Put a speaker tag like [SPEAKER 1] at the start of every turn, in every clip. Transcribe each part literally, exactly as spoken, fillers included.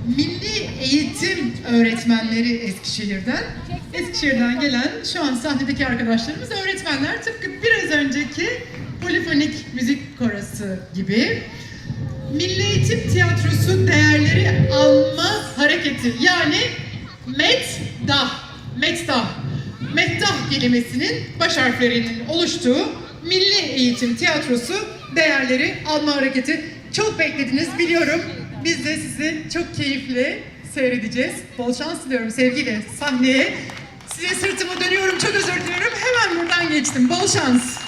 [SPEAKER 1] Milli Eğitim Öğretmenleri Eskişehir'den. Eskişehir'den gelen şu an sahnedeki arkadaşlarımız öğretmenler. Tıpkı biraz önceki polifonik müzik korosu gibi. Milli Eğitim Tiyatrosu Değerleri Alma Hareketi, yani METDAH, METDAH, METDAH kelimesinin baş harflerinin oluştuğu Milli Eğitim Tiyatrosu Değerleri Alma Hareketi. Çok beklediniz biliyorum. Biz de sizi çok keyifli seyredeceğiz. Bol şans diliyorum sevgiyle sahneye. Size sırtımı dönüyorum, çok özür diliyorum. Hemen buradan geçtim. Bol şans.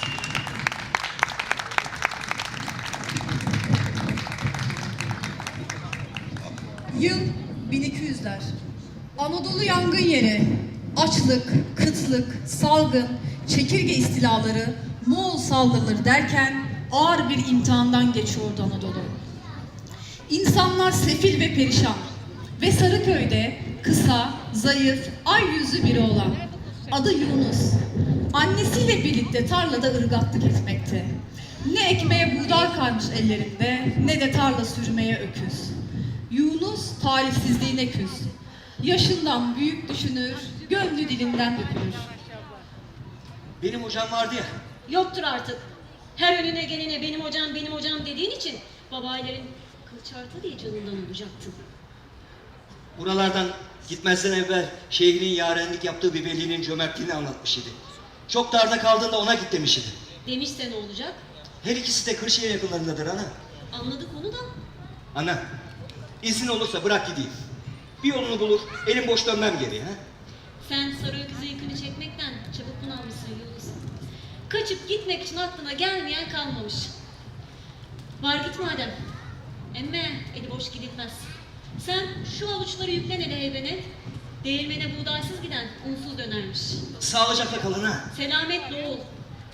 [SPEAKER 2] Yıl bin iki yüzler. Anadolu yangın yeri. Açlık, kıtlık, salgın, çekirge istilaları, Moğol saldırıları derken ağır bir imtihandan geçiyordu Anadolu. İnsanlar sefil ve perişan ve Sarıköy'de kısa, zayıf, ay yüzlü biri olan adı Yunus, annesiyle birlikte tarlada ırgatlık etmekte. Ne ekmeğe buğday kalmış ellerinde, ne de tarla sürmeye öküz. Yunus talihsizliğine küs. Yaşından büyük düşünür, gönlü dilinden dökülür.
[SPEAKER 3] Benim hocam vardı ya.
[SPEAKER 4] Yoktur artık. Her önüne gelene benim hocam benim hocam dediğin için babaelerin kılıç arta diye canından olacaktın.
[SPEAKER 3] Buralardan gitmezden evvel şeyhinin yarenlik yaptığı bir velinin cömertliğini anlatmış idi. Çok darda kaldığında ona git demiş idi.
[SPEAKER 4] Demişse ne olacak?
[SPEAKER 3] Her ikisi de Kırşehir yakınlarındadır ana.
[SPEAKER 4] Anladık onu da.
[SPEAKER 3] Ana, izin olursa bırak gideyim. Bir yolunu bulur, elim boş dönmem geriye. Ha?
[SPEAKER 4] Sen sarı öküzü yükünü çekmekten çabuk bunalmışsın Yunus. Kaçıp gitmek için aklına gelmeyen kalmamış. Var git madem. Emme eli boş gidilmez. Sen şu avuçları yüklen hele heybenet. Değirmene buğdaysız giden unsuz dönermiş.
[SPEAKER 3] Sağlıcakla kalın ha.
[SPEAKER 4] Selametle oğul.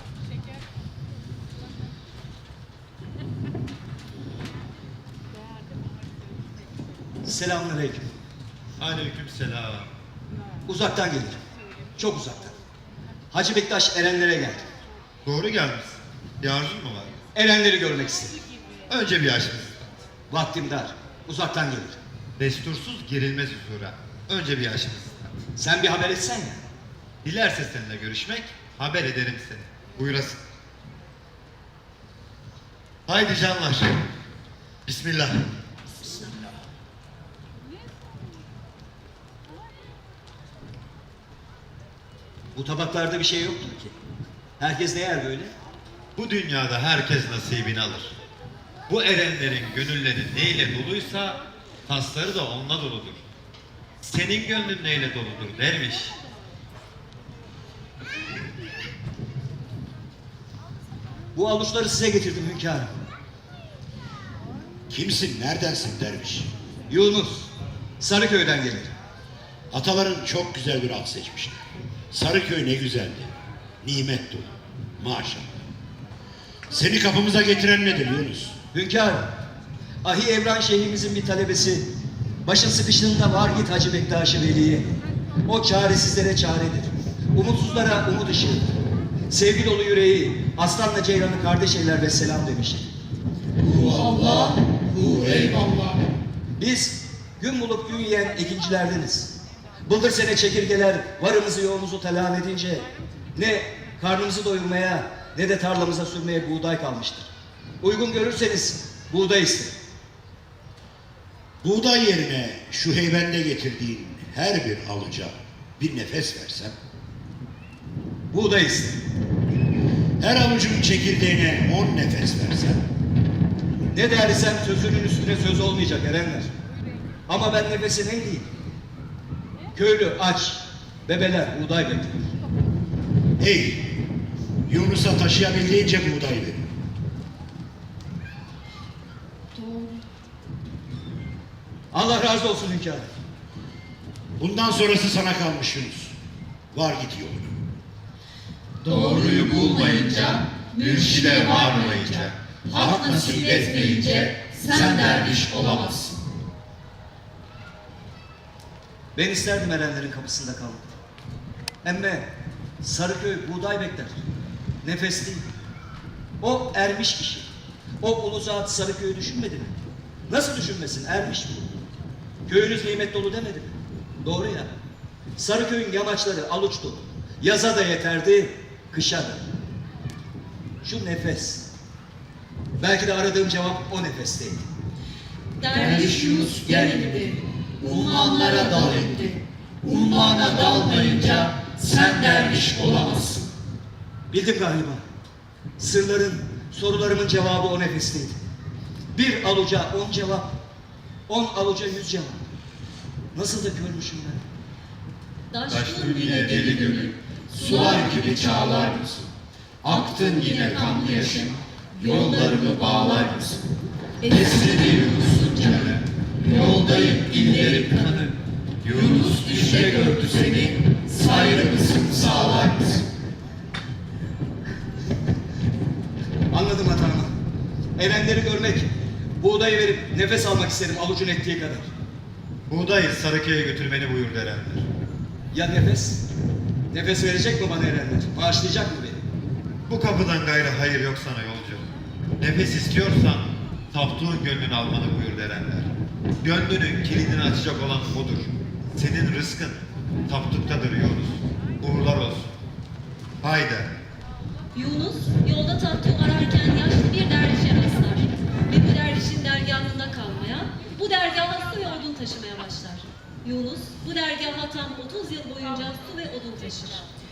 [SPEAKER 3] Selamünaleyküm.
[SPEAKER 5] Aleykümselam.
[SPEAKER 3] Uzaktan gelirim. Çok uzaktan. Hacı Bektaş Erenlere geldim.
[SPEAKER 5] Doğru gelmişsin. Bir arzun mu var?
[SPEAKER 3] Erenleri görmek istedim.
[SPEAKER 5] Önce bir açınız.
[SPEAKER 3] Vaktim dar. Uzaktan gelirim.
[SPEAKER 5] Destursuz girilmez huzura. Önce bir açınız.
[SPEAKER 3] Sen bir haber etsen ya.
[SPEAKER 5] Dilerse seninle görüşmek, haber ederim seni. Buyurasın. Haydi canlar. Bismillah.
[SPEAKER 3] Bu tabaklarda bir şey yoktur ki. Herkes ne yer böyle?
[SPEAKER 5] Bu dünyada herkes nasibini alır. Bu erenlerin gönülleri neyle doluysa tasları da onunla doludur. Senin gönlün neyle doludur derviş?
[SPEAKER 3] Bu avuçları size getirdim hünkârım.
[SPEAKER 6] Kimsin, neredensin derviş?
[SPEAKER 3] Yunus, Sarıköy'den gelir.
[SPEAKER 6] Ataların çok güzel bir at seçmişler. Sarıköy ne güzeldi. Nimet dolu. Maşallah. Seni kapımıza getiren nedir Yunus?
[SPEAKER 3] Hünkârım, Ahi Evran Şeyhimizin bir talebesi. Başın sıkıştığında var git Hacı Bektaş-ı Veli'ye. O çaresizlere çaredir. Umutsuzlara umut ışığıdır. Sevgi dolu yüreği, aslanla ceylanı kardeş eyler ve selam demiştir.
[SPEAKER 6] Hu Allah, hu eyvallah.
[SPEAKER 3] Biz gün bulup gün yiyen ekincilerdeniz. Bıldır sene çekirgeler varımızı yoğumuzu telan edince ne karnımızı doyurmaya ne de tarlamıza sürmeye buğday kalmıştır. Uygun görürseniz buğday isterim.
[SPEAKER 6] Buğday yerine şu heybende getirdiğin her bir alıca bir nefes versem,
[SPEAKER 3] Buğday isterim.
[SPEAKER 6] her avucun çekirdeğine on nefes versem,
[SPEAKER 3] Ne dersem sözünün üstüne söz olmayacak erenler. Ama ben nefesi ne diyeyim? Köylü aç, bebeler buğday bekler.
[SPEAKER 6] hey, Yunus'a taşıyabildiğince buğday verin.
[SPEAKER 3] Allah razı olsun hünkârım.
[SPEAKER 6] Bundan sonrası sana kalmış Yunus. Var git yoluna.
[SPEAKER 7] Doğruyu bulmayınca, mürşide varmayınca, hak nasip etmeyince sen derviş olamazsın.
[SPEAKER 3] Ben isterdim erenlerin kapısında kalmak. Emme Sarıköy buğday bekler. Nefes değil. O ermiş kişi. O ulu zat Sarıköy'ü düşünmedi mi? Nasıl düşünmesin? Ermiş mi? Köyünüz nimet dolu demedi mi? Doğru ya. Sarıköy'ün yamaçları aluç dolu. Yaza da yeterdi, kışa da. Şu nefes. Belki de aradığım cevap o nefesteydi.
[SPEAKER 7] Derviş Yunus geldi, ummanlara dal etti. Ummana dalmayınca sen derviş olamazsın.
[SPEAKER 3] Bildim galiba. Sırların, sorularımın cevabı o nefesteydi. Bir aluca on cevap, on aluca yüz cevap. Nasıl da görmüşüm ben.
[SPEAKER 7] Taştın yine deli gönül, sular gibi çağlar mısın? Aktın yine kanlı yaşım, yollarımı bağlar mısın? Esri bir Yunus'un canı, yoldayım inlerim kanı. Yunus düşte gördü seni, sayrı mısın, sağlar mısın?
[SPEAKER 3] Anladım hatamı. Erenleri görmek, buğdayı verip nefes almak istedim alucun ettiği kadar.
[SPEAKER 5] Buğdayı Sarıköy'e götürmeni buyurdu erenler.
[SPEAKER 3] Ya nefes? Nefes verecek mi bana erenler? Bağışlayacak mı beni?
[SPEAKER 5] Bu kapıdan gayrı hayır yok sana yolcu. Nefes istiyorsan taptuğun gönlünü almanı buyurdu erenler. Gönlünün kilidini açacak olan odur. Senin rızkın taptuktadır Yunus. Uğurlar olsun. Haydi.
[SPEAKER 4] Yunus yolda tatlı ararken yaşlı bir dervişe rastlar. Ve bu dervişin dergahında kalmaya, bu dergaha su ve odun taşımaya başlar. Yunus bu dergaha tam otuz yıl boyunca su ve odun taşır.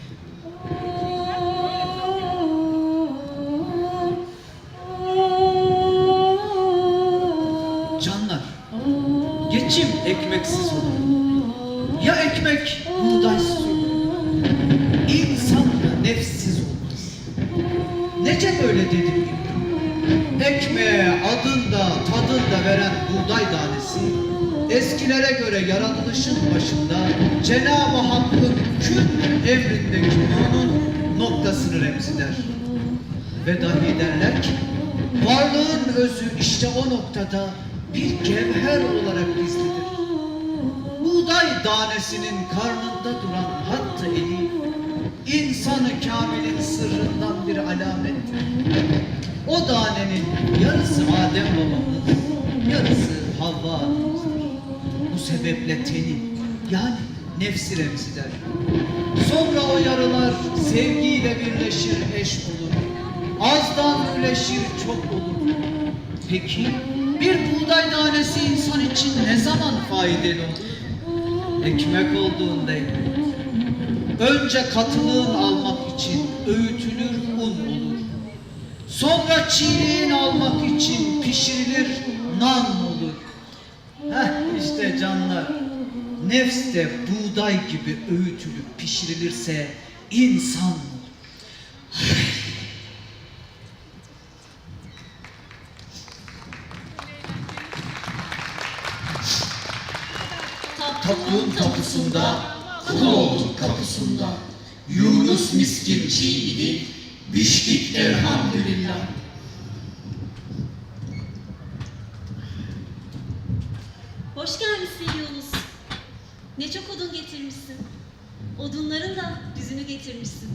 [SPEAKER 8] Canlar, geçim ekmeksiz olur. Ya ekmek buğdaysız olur. İnsan da nefssiz olmaz. Nece böyle dedim? Ekmeğe adında tadında veren buğday tanesi, eskilere göre yaratılışın başında Cenab-ı Hakk'ın kün emrindeki nurun noktasını remziler. Ve dahi derler ki, varlığın özü işte o noktada bir cevher olarak gizlidir. Buğday tanesinin karnında duran hattı eli, insanı kamilin sırrından bir alamettir. O tanenin yarısı Adem babamız, yarısı Havva anamızdır. Bu sebeple teni, yani nefsi remziler. Sonra o yarılar sevgiyle birleşir, eş olur. Azdan üleşir, çok olur. Peki bir buğday tanesi insan için ne zaman faydalı olur? Ekmek olduğunda ekmek. Önce katılığın almak için öğütülür, un olur. Sonra çiğliğin almak için pişirilir, nan olur. Heh işte canlar, nefs de buğday gibi öğütülüp pişirilirse insan olur.
[SPEAKER 7] Taptuğun kapısında, kul olduk kapısında. Yunus miskin çiğdi, biçtik elhamdülillah.
[SPEAKER 4] Hoş gelmişsin Yunus. Ne çok odun getirmişsin. Odunların da düzünü getirmişsin.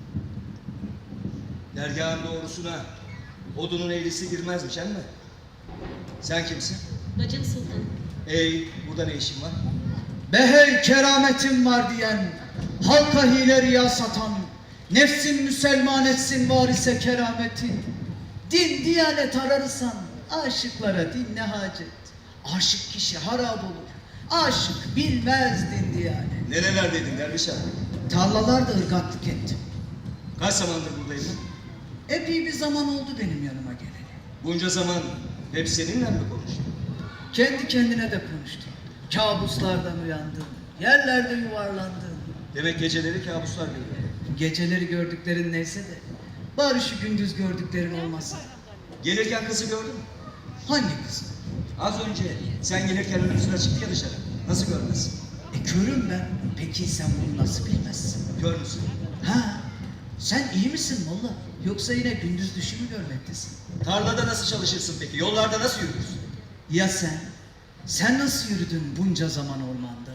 [SPEAKER 3] Dergahın doğrusuna odunun eğrisi girmezmiş emme. Sen kimsin?
[SPEAKER 4] Bacım Sultan.
[SPEAKER 3] Ey, burada ne işin var?
[SPEAKER 8] Behey kerametim var diyen, halka hile riya satan, nefsin Müselman etsin varise kerametin. Din diyanet ararsan, aşıklara din ne hacet? Aşık kişi harap olur, aşık bilmez din diyanet.
[SPEAKER 3] Nerelerdeydin derviş abi?
[SPEAKER 8] Tarlalarda ırgatlık ettim.
[SPEAKER 3] Kaç zamandır buradaydın?
[SPEAKER 8] Epey bir zaman oldu benim yanıma geleli.
[SPEAKER 3] Bunca zaman hep seninle mi konuştun?
[SPEAKER 8] Kendi kendine de konuştum. Kabuslardan uyandım, yerlerde yuvarlandım.
[SPEAKER 3] Demek geceleri kabuslar görüyor.
[SPEAKER 8] Geceleri gördüklerin neyse de, bari şu gündüz gördüklerin olmasa.
[SPEAKER 3] Gelirken kızı gördün mü?
[SPEAKER 8] Hangi kız?
[SPEAKER 3] Az önce sen gelirken önümüzüne çıktı ya dışarı. Nasıl görmezsin?
[SPEAKER 8] E körüm ben. Peki sen bunu nasıl bilmezsin?
[SPEAKER 3] Kör müsün?
[SPEAKER 8] Ha, sen iyi misin valla? Yoksa yine gündüz düşü mü görmektesin?
[SPEAKER 3] Tarlada nasıl çalışırsın peki? Yollarda nasıl yürürsün?
[SPEAKER 8] Ya sen? Sen nasıl yürüdün bunca zaman ormanda?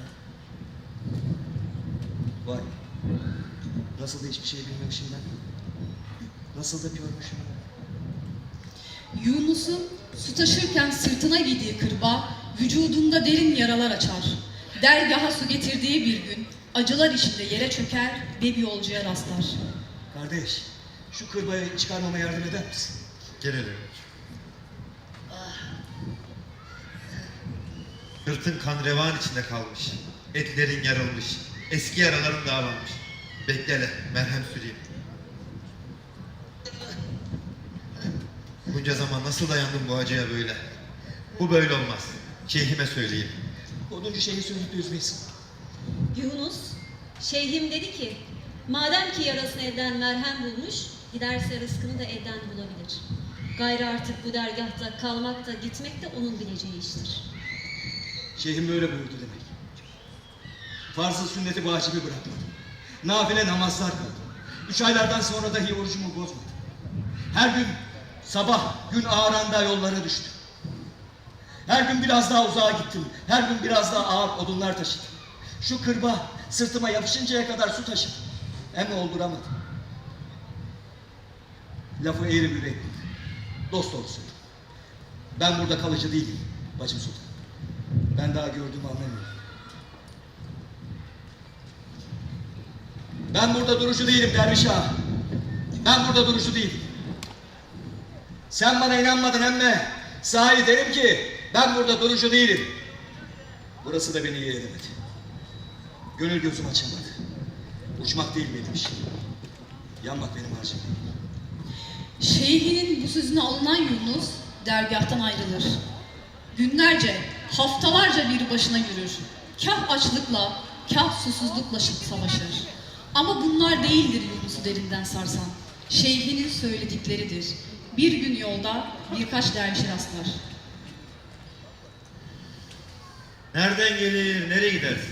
[SPEAKER 3] Vay. Nasıl da hiçbir şey bilmemişim ben. Nasıl da görmüşüm ben.
[SPEAKER 2] Yunus'un su taşırken sırtına giydiği kırba vücudunda derin yaralar açar. Dergaha su getirdiği bir gün, acılar içinde yere çöker ve bir yolcuya rastlar.
[SPEAKER 3] Kardeş, şu kırbayı çıkarmama yardım eder misin?
[SPEAKER 5] Gelelim. Sırtın kan revan içinde kalmış. Etlerin yarılmış. Eski yaraların dağlanmış. Beklele, merhem süreyim. Bunca zaman nasıl dayandım bu acıya böyle? Bu böyle olmaz. Şeyhime söyleyeyim.
[SPEAKER 3] Oduncu şeyi söyleyip üzmeyiz.
[SPEAKER 4] Yunus, şeyhim dedi ki, madem ki yarasını elden merhem bulmuş, giderse rızkını da elden bulabilir. Gayrı artık bu dergahta kalmak da gitmek de onun bileceği iştir.
[SPEAKER 3] Şeyhim böyle buyurdu demek. Farzı sünneti vacibi bırakmadım. Nafile namazlar kıldım. Üç aylardan sonra dahi orucumu bozmadım. Her gün sabah gün ağaranda yollara düştüm. Her gün biraz daha uzağa gittim. Her gün biraz daha ağır odunlar taşıdım. Şu kırba sırtıma yapışıncaya kadar su taşıdım. Ama olduramadım. Lafı eğri büğrü ettim. Dost doğrusu. Ben burada kalıcı değilim bacım sultan. Ben daha gördüğümü anlamıyorum. Ben burada durucu değilim derviş ağa. Ben burada durucu değilim. Sen bana inanmadın emme. Sahi derim ki ben burada durucu değilim. Burası da beni iyi edemedi. Gönül gözüm açamadı. Uçmak değil benim işim. Yanmak benim harcım değil.
[SPEAKER 2] Şeyhinin bu sözüne alınan Yunus dergahtan ayrılır. Günlerce, haftalarca bir başına yürür. Kah açlıkla, kah susuzlukla savaşır. Ama bunlar değildir Yunus'u derinden sarsan. Şeyhinin söyledikleridir. Bir gün yolda birkaç dervişe rastlar.
[SPEAKER 5] Nereden gelir, nereye gidersin?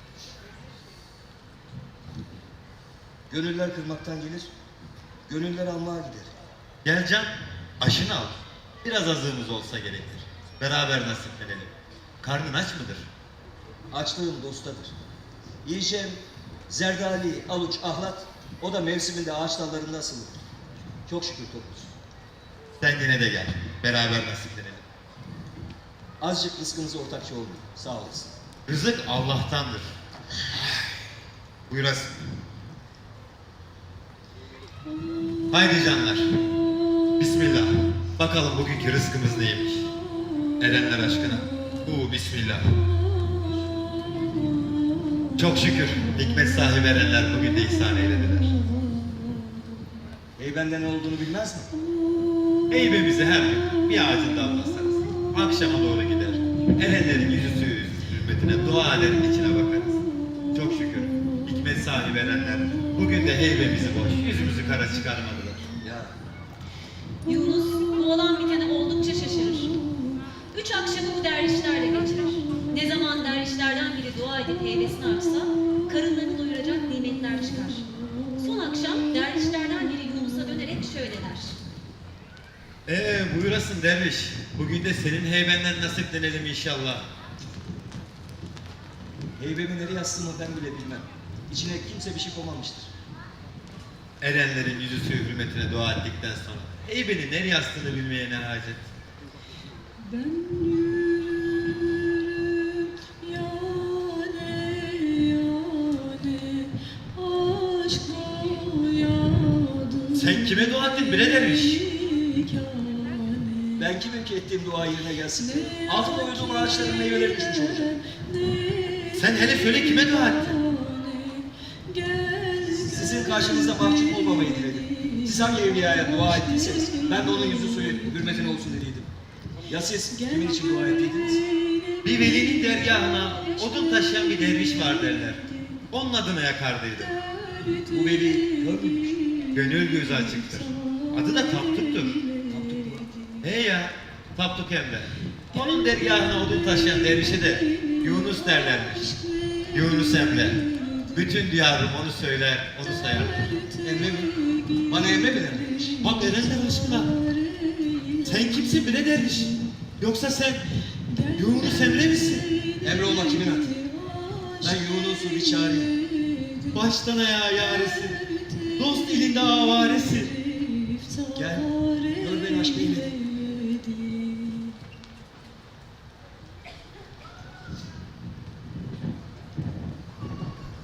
[SPEAKER 3] Gönüller kırmaktan gelir, gönüller almaya gider.
[SPEAKER 5] Gel can, aşını al. Biraz azığımız olsa gerekir. Beraber nasiplenelim. Karnın aç mıdır?
[SPEAKER 3] Açlığım dostadır. Yiyeceğim zerdali, aluç, ahlat, o da mevsiminde ağaç dallarında asılıdır. Çok şükür topuz.
[SPEAKER 5] Sen yine de gel. Beraber nasiplenelim.
[SPEAKER 3] Azıcık rızkınıza ortakçı olmayın. Sağ olasın.
[SPEAKER 5] Rızık Allah'tandır. Buyurasın. Haydi canlar. Bismillah. Bakalım bugünkü rızkımız neymiş? Erenler aşkına. Bu bismillah. Çok şükür hikmet sahibi erenler bugün de ihsan eylediler.
[SPEAKER 3] Ey benden ne olduğunu bilmez mi?
[SPEAKER 5] Heybemizi her gün bir ağacın dalına sararız. Akşama doğru gider. Erenlerin yüzü suyu hürmetine dua eder, içine bakarız. Çok şükür hikmet sahibi erenler bugün de heybemizi boş, yüzümüzü kara çıkarmadılar.
[SPEAKER 3] Ya
[SPEAKER 4] Yunus bu olan bitene oldukça şaşırır. Üç akşamı bu dervişlerle geçirir. Ne zaman dervişlerden biri dua edip heybesini açsa, karınlarını doyuracak nimetler çıkar. Son akşam dervişlerden biri Yunus'a dönerek şöyle der.
[SPEAKER 5] Ee buyurasın derviş, bugün de senin heybenden nasiplenelim inşallah.
[SPEAKER 3] heybemi nereye astığımı ben bile bilmem. İçine kimse bir şey koymamıştır.
[SPEAKER 5] Erenlerin yüzü suyu hürmetine dua ettikten sonra heybeni nereye astığını bilmeye ne hacet?
[SPEAKER 2] Ben yürürüm yâne yâne aşkla yâdım.
[SPEAKER 5] Sen kime dua ettin bre derviş?
[SPEAKER 3] Ben kimim ki ettiğim dua yerine gelsin? Altında uyuduğum ağaçların meyveleri düşmüş olacak.
[SPEAKER 5] Sen hele söyle kime dua ettin?
[SPEAKER 3] Sizin karşınızda mahcup olmamayı diledim. Siz hangi evliyaya dua ettiyseniz ben de onun yüzü suyu hürmetine olsun dediydim. Ya siz kimin için dua ettiydiniz?
[SPEAKER 5] Bir velinin dergahına odun taşıyan bir derviş var derler. Onun adına yakardıydı.
[SPEAKER 3] Bu veli kör müymüş?
[SPEAKER 5] Gönül gözü açıktır. Adı da Tapduk'tur. He ya, Tapduk Emre. Onun dergahına odun taşıyan dervişe de Yunus derlermiş. Yunus Emre. Bütün diyarım onu söyler, onu sayar.
[SPEAKER 3] Emre mi? Bana Emre mi dermiş?
[SPEAKER 5] Bak Erenler aşkına. Sen kimsin bre derviş? Yoksa sen Yunus Emre misin?
[SPEAKER 3] Emre olmak kimin hakkı? Ben Yunus'u bir çağırayım.
[SPEAKER 5] Baştan ayağa yaresin. Dost ilinde avaresin.
[SPEAKER 3] Gel, gör beni aşk eyle.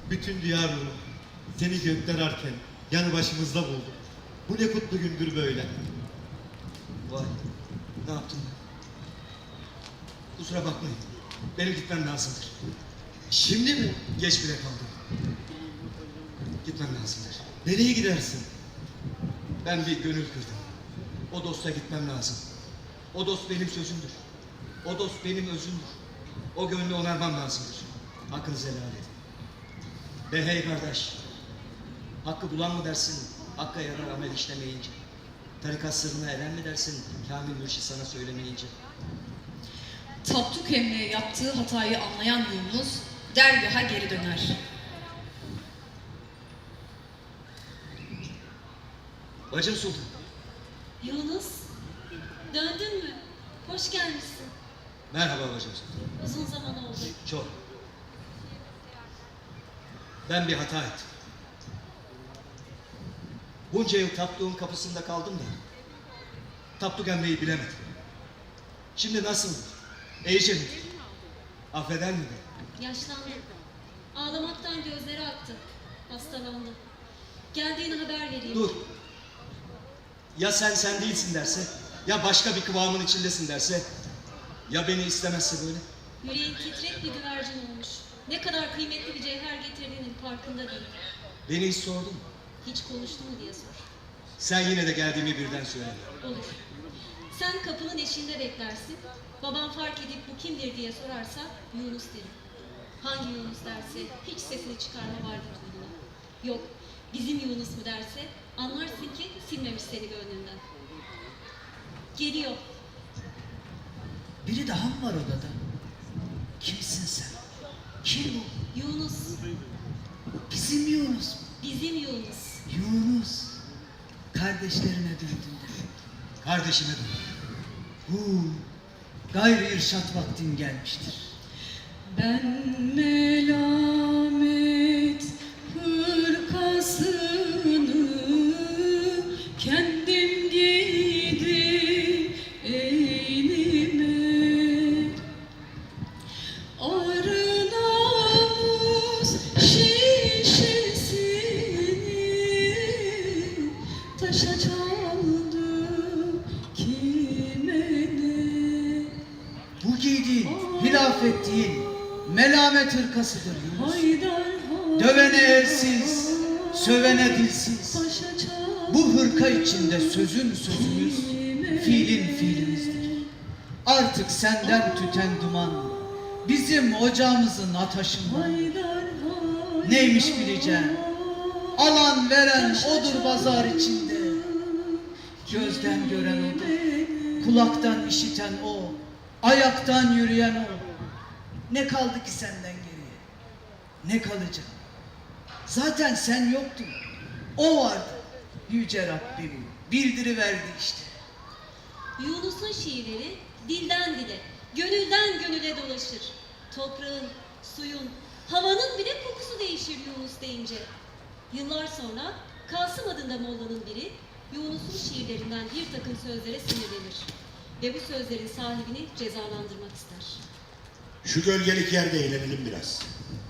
[SPEAKER 5] Bütün diyar nuru seni gökler ararken yanı başımızda buldum. Bu ne kutlu gündür böyle.
[SPEAKER 3] Vay, ne yaptım ben? Kusura bakmayın. Benim gitmem lazımdır.
[SPEAKER 5] Şimdi mi?
[SPEAKER 3] Geç bile kaldım. Gitmem lazımdır.
[SPEAKER 5] Nereye gidersin?
[SPEAKER 3] Ben bir gönül kırdım. O dosta gitmem lazım. O dost benim sözümdür. O dost benim özümdür. O gönlü onarmam lazımdır. Hakkınızı helal edin. Be hey kardeş. Hakkı bulan mı dersin? Hakka yarar amel işlemeyince. Tarikat sırrına eren mi dersin? Kamil mürşit sana söylemeyince.
[SPEAKER 2] Tapduk emmiye yaptığı hatayı anlayan Yunus dergaha geri döner.
[SPEAKER 3] Bacım Sultan.
[SPEAKER 4] Yunus, döndün mü? Hoş gelmişsin.
[SPEAKER 3] Merhaba bacım Sultan.
[SPEAKER 4] Uzun zaman oldu.
[SPEAKER 3] Çok. Ben bir hata ettim. Bunca yıl Tapduk'un kapısında kaldım da Tapduk emmeyi bilemedim. Şimdi nasıl? İyice mi? Affeder mi beni?
[SPEAKER 4] Yaşlandı. Ağlamaktan gözleri aktı. Hastalandı. Geldiğini haber vereyim.
[SPEAKER 3] Dur. Ya sen sen değilsin derse, ya başka bir kıvamın içindesin derse, ya beni istemezse böyle.
[SPEAKER 4] Yüreğin titrek bir güvercin olmuş. Ne kadar kıymetli bir cevher getirdiğinin farkında değil.
[SPEAKER 3] Beni hiç sordun mu?
[SPEAKER 4] Hiç konuştu mu diye sor.
[SPEAKER 3] Sen yine de geldiğimi birden söyle.
[SPEAKER 4] Olur. Sen kapının eşiğinde beklersin. Babam fark edip bu kimdir diye sorarsa Yunus derim. Hangi Yunus derse hiç sesini çıkarma vardır duyduğuna. Yok bizim Yunus mu derse anlarsın ki silmemiş seni gönlünden. Geliyor.
[SPEAKER 8] Biri daha mı var odada? Kimsin sen? Kim bu?
[SPEAKER 4] Yunus.
[SPEAKER 8] Bizim Yunus mu?
[SPEAKER 4] Bizim Yunus.
[SPEAKER 8] Yunus. Kardeşlerine döndün de.
[SPEAKER 3] Kardeşime dön.
[SPEAKER 8] Hu. Gayrı irşat vaktin gelmiştir.
[SPEAKER 2] Ben melamet hırkasını kendim giydim eynime. Arı namus şişesini taşa çaldım kime ne?
[SPEAKER 8] Bu giydiğin hilafet değil, melamet hırkasıdır Yunus. Dövene elsiz, sövene dilsiz. Bu hırka içinde sözün sözümüz, fiilin fiilimizdir. Artık senden tüten duman, bizim ocağımızın ataşından. Neymiş bileceğim, alan veren odur pazar içinde. Gözden gören odur, kulaktan işiten o, ayaktan yürüyen o. Ne kaldı ki senden geriye? Ne kalacak? Zaten sen yoktun. O vardı. Yüce Rabbim bildiriverdi işte.
[SPEAKER 4] Yunus'un şiirleri dilden dile, gönülden gönüle dolaşır. Toprağın, suyun, havanın bile kokusu değişir Yunus deyince. Yıllar sonra Kasım adında mollanın biri Yunus'un şiirlerinden bir takım sözlere sinirlenir. Ve bu sözlerin sahibini cezalandırmak ister.
[SPEAKER 6] Şu gölgelik yerde eğlenelim biraz.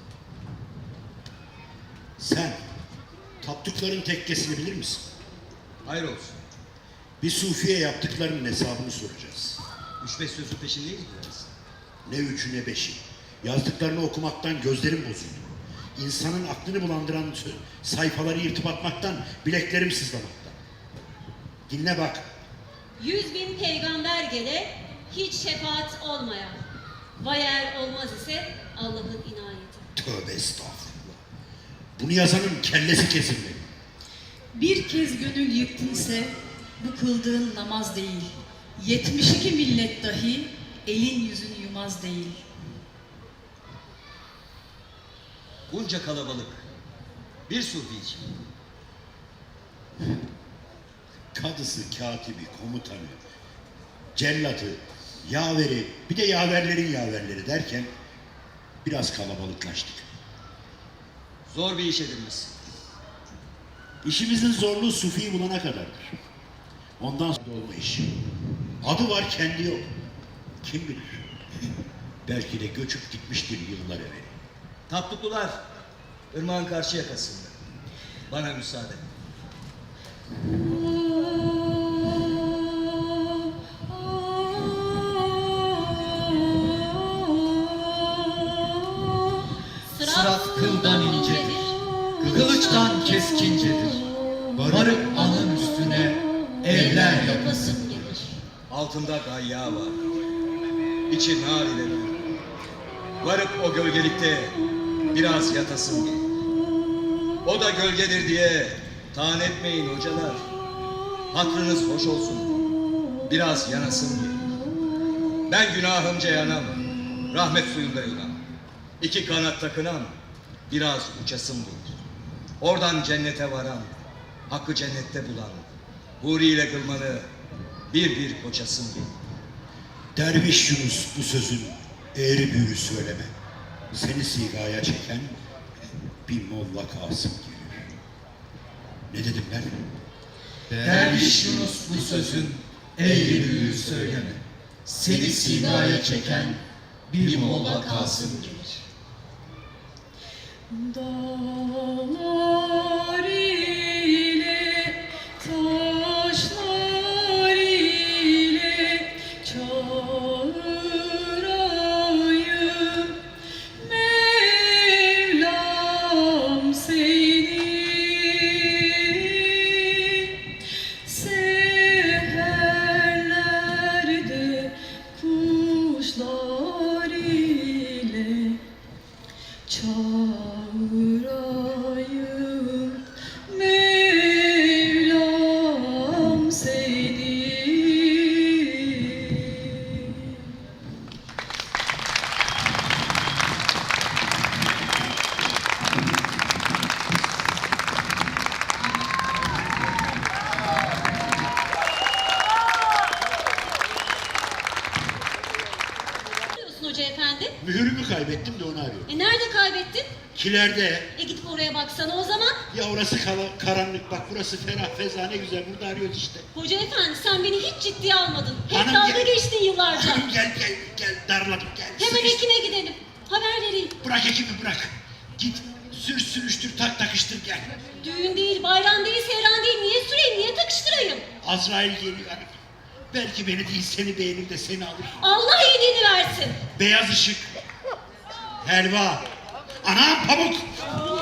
[SPEAKER 6] Sen tapdukların tekkesini bilir misin?
[SPEAKER 3] Hayır olsun.
[SPEAKER 6] Bir sufiye yaptıklarının hesabını soracağız.
[SPEAKER 3] Üç beş sözün peşindeyiz biraz.
[SPEAKER 6] Ne üçü ne beşi. Yazdıklarını okumaktan gözlerim bozuldu. İnsanın aklını bulandıran sö- sayfaları yırtıp atmaktan bileklerim sızlamaktan. Dinle bak.
[SPEAKER 4] Yüz bin peygamber gele, hiç şefaat olmayan. Vay eğer olmaz ise Allah'ın inayeti.
[SPEAKER 6] Tövbe estağfurullah. Bunu yazanın kellesi kesilmeli.
[SPEAKER 2] Bir kez gönül yıktınse bu kıldığın namaz değil. Yetmiş iki millet dahi elin yüzünü yumaz değil.
[SPEAKER 3] Bunca kalabalık. Bir sufi için.
[SPEAKER 6] Kadısı, katibi, komutanı, cellatı, yaveri, bir de yaverlerin yaverleri derken biraz kalabalıklaştık.
[SPEAKER 3] Zor bir iş edinmişsin.
[SPEAKER 6] İşimizin zorluğu sufiyi bulana kadardır. Ondan sonra olma iş. Adı var, kendi yok. Kim bilir? Belki de göçüp gitmiştir yıllar evvel.
[SPEAKER 3] Tapduklular, ırmağın karşı yakasında. Bana müsaade.
[SPEAKER 7] Sırat kıldan incedir, kılıçtan keskincedir. Varıp anın üstüne evler yapasın gelir.
[SPEAKER 3] Altında gayya var. İçi nar ile dolu. Varıp o gölgelikte biraz yatasın gelir. O da gölgedir diye taan etmeyin hocalar. Hatrınız hoş olsun. Biraz yanasın gelir. Ben günahımca yanam. Rahmet suyunda yunam. İki kanat takınam. Biraz uçasım gelir. Oradan cennete varam. Hakkı cennette bulan. Huri ile kılmanı bir bir koçasım gelir.
[SPEAKER 6] Derviş Yunus bu sözün eğri büğrü söyleme. Seni sigaya çeken bir Molla Kasım gelir. Ne dedim ben?
[SPEAKER 7] Derviş Yunus bu sözün eğri büğrü söyleme. Seni sigaya çeken bir Molla Kasım gelir.
[SPEAKER 2] Dağlar ile taşlar ile çağırayım Mevlam seni seherlerde kuşlar ile çağırayım Mevlam seni.
[SPEAKER 4] Ne diyorsun hoca efendi?
[SPEAKER 6] Mühürümü kaybettim de onu arıyorum.
[SPEAKER 4] E nerede kaybettin?
[SPEAKER 6] Kilerde.
[SPEAKER 4] E gidip oraya baksana o zaman.
[SPEAKER 6] Ya orası kala- karanlık, bak burası ferah feza, ne güzel, burada arıyoruz işte.
[SPEAKER 4] Hoca efendi sen beni hiç ciddiye almadın. Hep
[SPEAKER 6] Hanım
[SPEAKER 4] dalga
[SPEAKER 6] gel.
[SPEAKER 4] geçtin yıllarca.
[SPEAKER 6] Hanım gel gel gel, darladım gel.
[SPEAKER 4] Hemen
[SPEAKER 6] Sıkıştır.
[SPEAKER 4] Ekim'e gidelim. Haber vereyim.
[SPEAKER 6] Bırak ekibi bırak. Git sür sürüştür tak takıştır gel.
[SPEAKER 4] Düğün değil, bayram değil, seyran değil. Niye süreyim, niye takıştırayım?
[SPEAKER 6] Azrail geliyor hanım. Belki beni değil seni beğenir de seni alır.
[SPEAKER 4] Allah iyiliğini versin.
[SPEAKER 6] Beyaz ışık. Helva. Anam pamuk.